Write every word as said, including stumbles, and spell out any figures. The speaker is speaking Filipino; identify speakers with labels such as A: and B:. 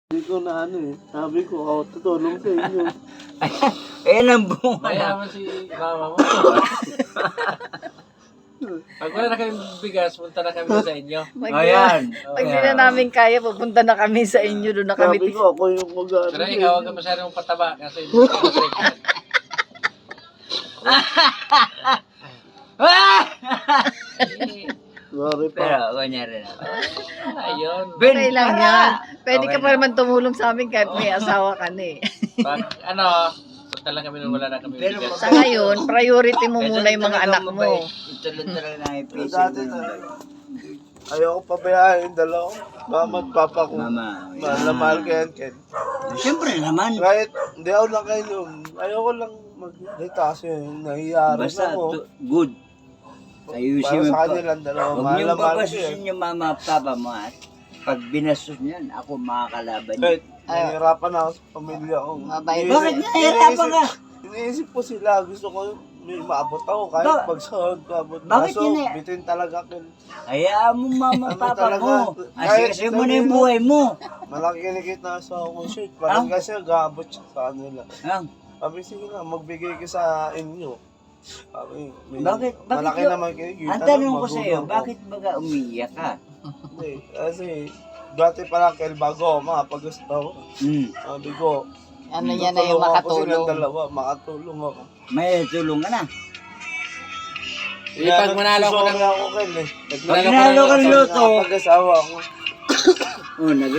A: Hindi ko na ano eh. Sabi ko, ako tutulong sa inyo.
B: Ayan ang bunga na.
C: Mayaman si mama mo. Pag wala na kami bigas, punta na kami sa inyo.
D: Pag,
B: Ayan.
D: pag di na namin kaya, pupunta na kami sa inyo. Doon na kami.
A: Sabi ko, ako yung mag-ano.
C: Pero ikaw, huwag ka masyadong pataba kasi hindi ka pregnant.
A: Sorry pa.
B: Pero, kunyari na.
C: Ayun.
D: Okay lang yan. Pwede
B: Okay
D: ka pa
B: na.
D: naman tumulong sa amin kahit may asawa ka na eh.
C: Pag ano, punta lang kami nung wala na kami
B: Pero
C: bigas.
D: Sa ngayon, priority mo
B: Ito
D: muna yung mga
B: talaga
D: anak mo.
B: mabait. Ito lang talaga na ipisip
A: Dati
B: mo.
A: na. Ayoko pabayaan yung dalawa. Mama at papa ko.
B: Mama.
A: Mahal na mahal ko yan, Ken.
B: Siyempre naman.
A: Kahit hindi ako nakainom, ayoko lang mag-dita kasi nahiyari
B: Basta
A: ako.
B: to- good. Ayusin
A: Para
B: mo
A: sa
B: pa.
A: kanilang dalawa,
B: Huwag
A: mahal
B: niyong
A: na mahal ko
B: babasusin
A: yan.
B: yung mama at papa mo at pag binastos niyan, ako makakalaban niyo.
A: Kahit nahihirapan ako sa pamilya ko.
D: Mabait.
A: Iniisip-
B: Bakit nahihirapan ka?
A: iniisip- Iniisip ko sila, gusto ko may maabot ako kahit
B: Ba-
A: magsahod, maabot.
B: Bakit
A: Kaso,
B: yun eh?
A: bitin talaga kin.
B: Hayaan mo mama at
A: Ano
B: papa
A: talaga?
B: mo.
A: Kahit
B: Asikasin mo na yung
A: sabihin mo-
B: buhay mo.
A: Malaki kinikita sa akong shirt. Parang
B: Ah?
A: kasi gaabot siya sa kanila.
B: Ah,
A: Sabi, sige na, magbigay ka sa inyo. Sabi, may,
B: Bakit? Bakit
A: malaki
B: yun?
A: naman kinikita.
B: ang tanong
A: ng
B: ko sa iyo,
A: magulang ko.
B: bakit baga umiiyak ka?
A: Hindi, kasi dati pala kail bago ako makapag-gusto ako.
B: Hmm.
A: Sabi ko,
D: Ano yan na yung
A: tutulungan ko
D: makatulong.
A: silang dalawa, makatulong ako.
B: May tulong ka na.
C: Eh, pag manalo ko ng...
A: Sorry ako, Kel, eh.
B: Pag nanalo ka ng loto,
A: Pag-asawa ako.
B: oh, nag